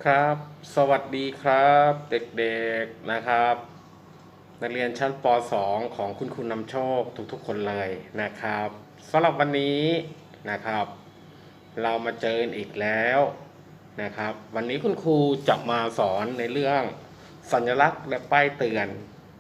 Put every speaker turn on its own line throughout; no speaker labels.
ครับสวัสดีครับเด็กๆนะครับนักเรียนชั้นป .2 ของคุณนำโชคทุกๆคนเลยนะครับสำหรับวันนี้นะครับเรามาเจอกันอีกแล้วนะครับวันนี้คุณครูจะมาสอนในเรื่องสัญลักษณ์และป้ายเตือน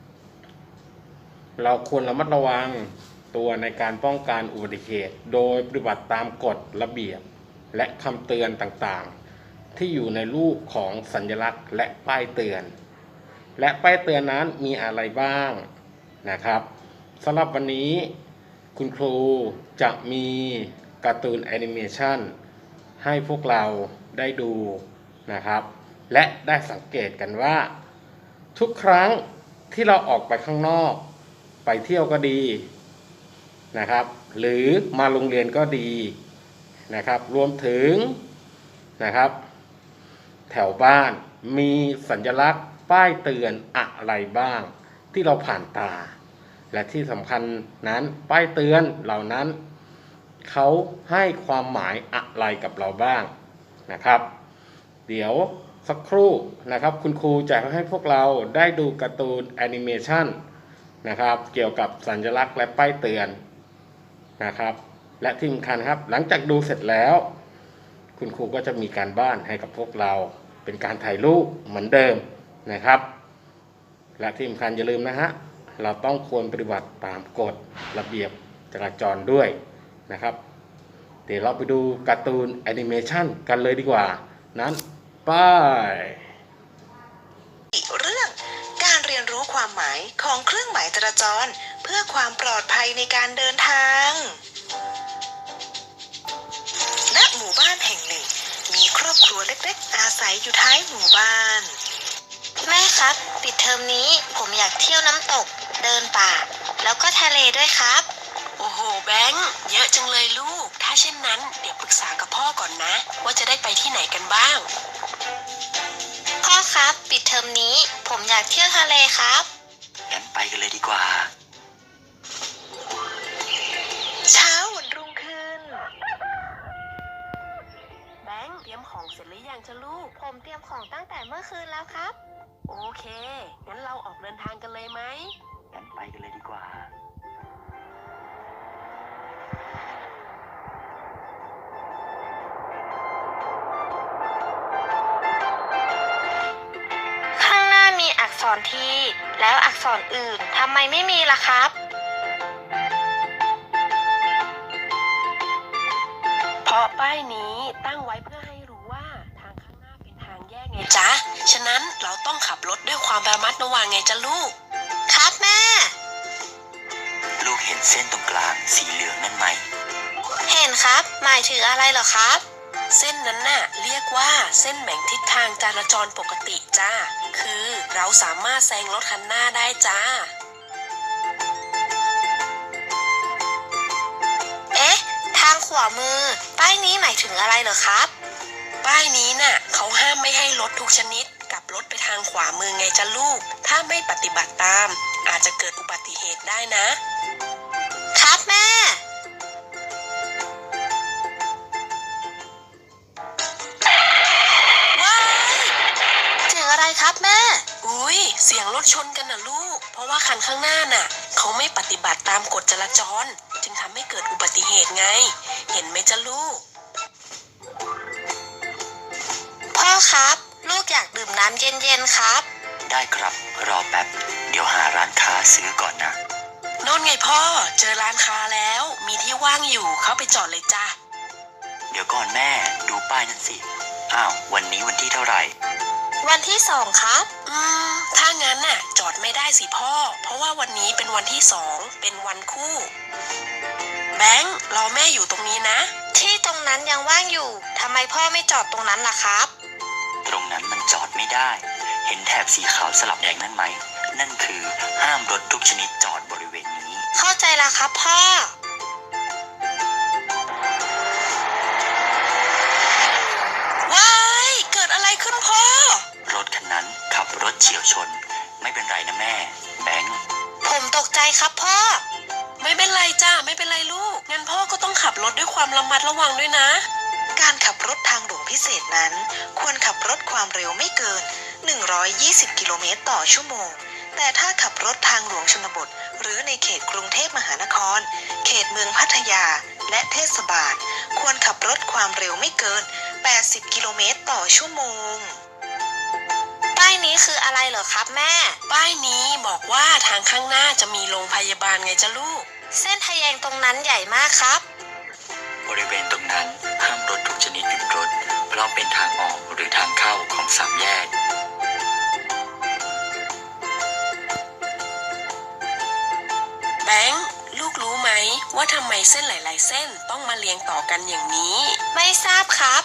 เราควรระมัดระวังตัวในการป้องกันอุบัติเหตุโดยปฏิบัติตามกฎระเบียบและคำเตือนต่างๆที่อยู่ในรูปของสัญลักษณ์และป้ายเตือนและป้ายเตือนนั้นมีอะไรบ้างนะครับสำหรับวันนี้คุณครูจะมีการ์ตูนแอนิเมชันให้พวกเราได้ดูนะครับและได้สังเกตกันว่าทุกครั้งที่เราออกไปข้างนอกไปเที่ยวก็ดีนะครับหรือมาโรงเรียนก็ดีนะครับรวมถึงนะครับแถวบ้านมีสัญลักษณ์ป้ายเตือนอะไรบ้างที่เราผ่านตาและที่สำคัญนั้นป้ายเตือนเหล่านั้นเขาให้ความหมายอะไรกับเราบ้างนะครับเดี๋ยวสักครู่นะครับคุณครูจะให้พวกเราได้ดูการ์ตูนแอนิเมชันนะครับเกี่ยวกับสัญลักษณ์และป้ายเตือนนะครับและที่สำคัญครับหลังจากดูเสร็จแล้วคุณครูก็จะมีการบ้านให้กับพวกเราเป็นการถ่ายรูปเหมือนเดิมนะครับและที่สำคัญอย่าลืมนะฮะเราต้องควรปฏิบัติตามกฎระเบียบจราจรด้วยนะครับเดี๋ยวเราไปดูการ์ตูนแอนิเมชันกันเลยดีกว่านั้นไป
เรื่องการเรียนรู้ความหมายของเครื่องหมายจราจรเพื่อความปลอดภัยในการเดินทางณหมู่บ้านแห่งหนึ่งมีครอบครัวเล็กๆอาศัยอยู่ท้ายหมู่บ้าน
แม่ครับปิดเทอมนี้ผมอยากเที่ยวน้ำตกเดินป่าแล้วก็ทะเลด้วยครับ
โอ้โหแบงค์เยอะจังเลยลูกถ้าเช่นนั้นเดี๋ยวปรึกษากับพ่อก่อนนะว่าจะได้ไปที่ไหนกันบ้าง
พ่อครับปิดเทอมนี้ผมอยากเที่ยวทะเลครับ
งั้นไปกันเลยดีกว่า
เช้าวันรุ่งขึ้นแบงค์เตรียมของเสร็จหรือยังจ๊ะลูก
ผมเตรียมของตั้งแต่เมื่อคืนแล้วครับ
โอเคงั้นเราออกเดินทางกันเลยไหม
งั้นไปกันเลยดีกว่า
ข้างหน้ามีอักษรทีแล้วอักษรอื่นทำไมไม่มีล่ะครับ
เพราะป้ายนี้ตั้งไว้เพื่อให้รู้ว่าทางข้างหน้าเป็นทางแยกไงจ๊ะฉะนั้นเราต้องขับรถด้วยความระมัดระวังไงจ๊ะลูก
ครับแม่
ลูกเห็นเส้นตรงกลางสีเหลืองนั่นไหม
เห็นครับหมายถึงอะไรเหรอครับ
เส้นนั้นน่ะเรียกว่าเส้นแบ่งทิศทางจราจรปกติจ้าคือเราสามารถแซงรถคันหน้าได้จ้า
เอ๊ะทางขวามือป้ายนี้หมายถึงอะไรเหรอครับ
ป้ายนี้น่ะเขาห้ามไม่ให้รถทุกชนิดกลับรถไปทางขวามือไงจ๊ะลูกถ้าไม่ปฏิบัติตามอาจจะเกิดอุบัติเหตุได้นะครับ
แม่
ว้าย
เสียงอะไรครับแม่
อุ้ยเสียงรถชนกันน่ะลูกเพราะว่าคันข้างหน้าน่ะเขาไม่ปฏิบัติตามกฎจราจรจึงทำให้เกิดอุบัติเหตุไงเห็นไหมจ๊ะลูก
พ่อครับลูกอยากดื่มน้ำเย็นๆครับ
ได้ครับรอแป๊บเดี๋ยวหาร้านค้าซื้อก่อนนะ
โน่นไงพ่อเจอร้านค้าแล้วมีที่ว่างอยู่เข้าไปจอดเลยจ้ะ
เดี๋ยวก่อนแม่ดูป้ายนั่นสิอ้าววันนี้วันที่เท่าไหร่
วันที่2ครับ
ถ้างั้นน่ะจอดไม่ได้สิพ่อเพราะว่าวันนี้เป็นวันที่2เป็นวันคู่แบงค์รอแม่อยู่ตรงนี้นะ
ที่ตรงนั้นยังว่างอยู่ทำไมพ่อไม่จอดตรงนั้นล่ะครับ
ตรงนั้นมันจอดไม่ได้เห็นแถบสีขาวสลับแดงนั่นไหมนั่นคือห้ามรถทุกชนิดจอดบริเวณนี้
เข้าใจแล้วครับพ่อ
ว้ายเกิดอะไรขึ้นพ่อ
รถคันนั้นขับรถเฉี่ยวชนไม่เป็นไรนะแม่แบงค์
ผมตกใจครับพ่อ
ไม่เป็นไรจ้าไม่เป็นไรลูกงั้นพ่อก็ต้องขับรถด้วยความระมัดระวังด้วยนะการขับรถทางหลวงพิเศษนั้นควรขับรถคความเร็วไม่เกิน 120 กิโลเมตรต่อชั่วโมง แต่ถ้าขับรถทางหลวงชนบทหรือในเขตกรุงเทพมหานคร เขตเมืองพัทยา และเทศบาล ควรขับรถความเร็วไม่เกิน 80 กิโลเมตรต่อชั่วโมง
ป้ายนี้คืออะไรเหรอครับแม่
ป้ายนี้บอกว่าทางข้างหน้าจะมีโรงพยาบาลไงจ๊ะลูก
เส้นทะแยงตรงนั้นใหญ่มากครับ
บริเวณตรงนั้นห้ามรถทุกชนิดหยุดรถ เพราะเป็นทางออกหรือทางเข้าของสามแยก
แบงค์ลูกรู้ไหมว่าทำไมเส้นหลายๆเส้นต้องมาเรียงต่อกันอย่างนี้
ไม่ทราบครับ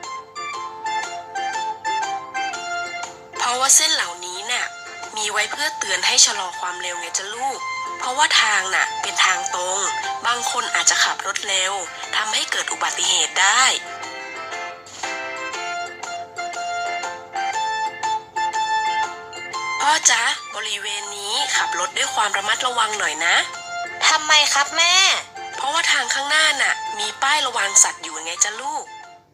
เพราะว่าเส้นเหล่านี้น่ะมีไว้เพื่อเตือนให้ชะลอความเร็วไงจ๊ะลูก เพราะว่าทางน่ะเป็นทางตรง บางคนอาจจะขับรถเร็วทำให้เกิดอุบัติเหตุได้ พ่อจ๊ะบริเวณนี้ขับรถด้วยความระมัดระวังหน่อยนะ
ทำไมครับแม่
เพราะว่าทางข้างหน้าน่ะมีป้ายระวังสัตว์อยู่ไงจ๊ะลูก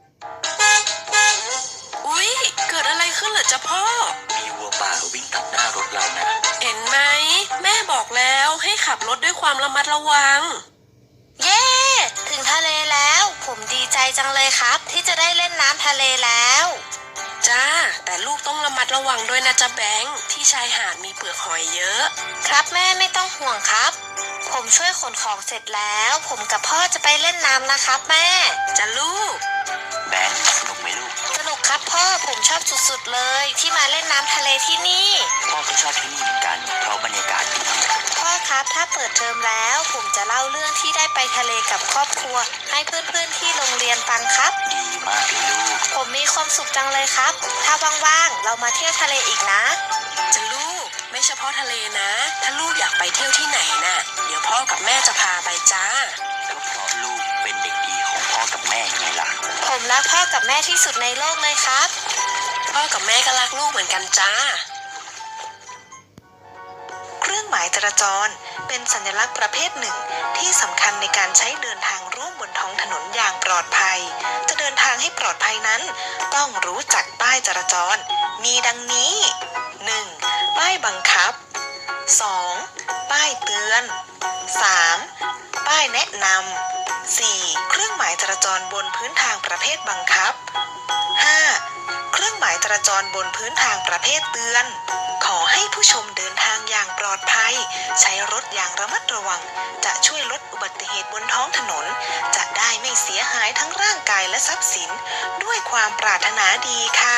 อุ๊ยเกิดอะไรขึ้นเหรอจ๊ะพ่อ
มีวัวป่าวิ่งตัดหน้ารถเรานะ
เห็นไหมแม่บอกแล้วให้ขับรถด้วยความระมัดระวัง
เย้ ถึงทะเลแล้ว ผมดีใจจังเลยครับ ที่จะได้เล่นน้ำทะเลแล้ว
จ้าแต่ลูกต้องระมัดระวังด้วยนะจ๊ะแบงค์ที่ชายหาดมีเปลือกหอยเยอะ
ครับแม่ไม่ต้องห่วงครับ ผมช่วยขนของเสร็จแล้ว ผมกับพ่อจะไปเล่นน้ำนะครับแม่
จ้ะลูก
แบงค์สนุกไหมลูก
สนุกครับพ่อผมชอบสุดๆเลยที่มาเล่นน้ำทะเลที่นี่
พ่อก็ชอบที่นี่เหมือนกัน เพราะบรรยากาศดี
พ่อครับถ้าเปิดเทอมแล้ว ผมจะเล่าเรื่องที่ได้ไปทะเลกับครอบครัว ให้เพื่อนๆที่โรงเรียนฟังครับ
ดีมากเลยลูก
ผมมีความสุขจังเลยครับ ถ้าว่างๆเรามาเที่ยวทะเลอีกนะ
จ้ะลูกไม่เฉพาะทะเลนะ ถ้าลูกอยากไปเที่ยวที่ไหนน่ะ เดี๋ยวพ่อกับแม่จะพาไปจ้า
ก็เพราะลูกเป็นเด็กดีของพ่อกับแม่ยังไงล่ะ
ผมรักพ่อกับแม่ที่สุดในโลกเลยครับ
พ่อกับแม่ก็รักลูกเหมือนกันจ้า
เครื่องหมายจราจรเป็นสัญลักษณ์ประเภทหนึ่งที่สำคัญในการใช้เดินทางร่วมบนท้องถนนอย่างปลอดภัย จะเดินทางให้ปลอดภัยนั้น ต้องรู้จักป้ายจราจร มีดังนี้ 1. ป้ายบังคับ 2. ป้ายเตือน 3. ป้ายแนะนำ 4. เครื่องหมายจราจรบนพื้นทางประเภทบังคับ 5. เครื่องหมายจราจรบนพื้นทางประเภทเตือน ขอให้ผู้ชมเดินทางอย่างปลอดภัย ใช้รถอย่างระมัดระวัง จะช่วยลดอุบัติเหตุบนท้องถนน จะได้ไม่เสียหายทั้งร่างกายและทรัพย์สิน ด้วยความปรารถนาดีค่ะ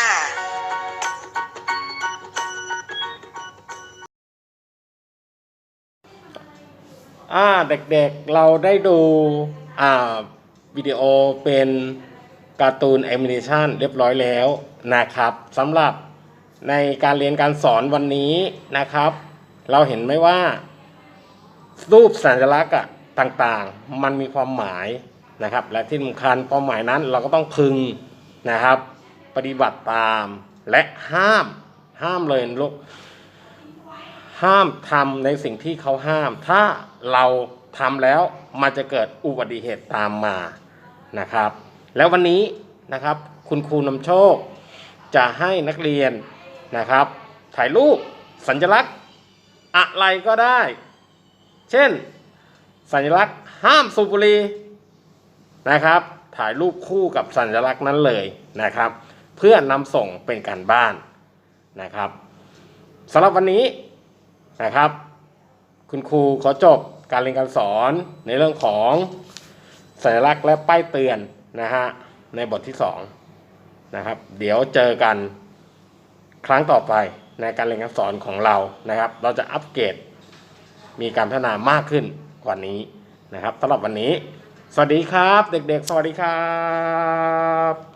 เด็กๆเราได้ดูวิดีโอเป็นการ์ตูนแอนิเมชันเรียบร้อยแล้วนะครับสำหรับในการเรียนการสอนวันนี้นะครับ เราเห็นไหมว่ารูปสัญลักษณ์ต่างๆมันมีความหมายนะครับและที่สำคัญความหมายนั้นเราก็ต้องพึงนะครับปฏิบัติตามและห้ามเลยลูกห้ามทำในสิ่งที่เขาห้ามถ้าเราทำแล้วมันจะเกิดอุบัติเหตุตามมานะครับแล้ววันนี้นะครับคุณครูนำโชคจะให้นักเรียนนะครับถ่ายรูปสัญลักษณ์อะไรก็ได้เช่นสัญลักษณ์ห้ามสูบบุหรี่นะครับถ่ายรูปคู่กับสัญลักษณ์นั้นเลยนะครับเพื่อนำส่งเป็นการบ้านนะครับสำหรับวันนี้นะครับคุณครูขอจบการเรียนการสอนในเรื่องของสัญลักษณ์และป้ายเตือนนะฮะในบทที่2นะครับเดี๋ยวเจอกันครั้งต่อไปในการเรียนการสอนของเรานะครับเราจะอัปเกรดมีการพัฒนามากขึ้นกว่านี้นะครับสำหรับวันนี้สวัสดีครับเด็กๆสวัสดีครับ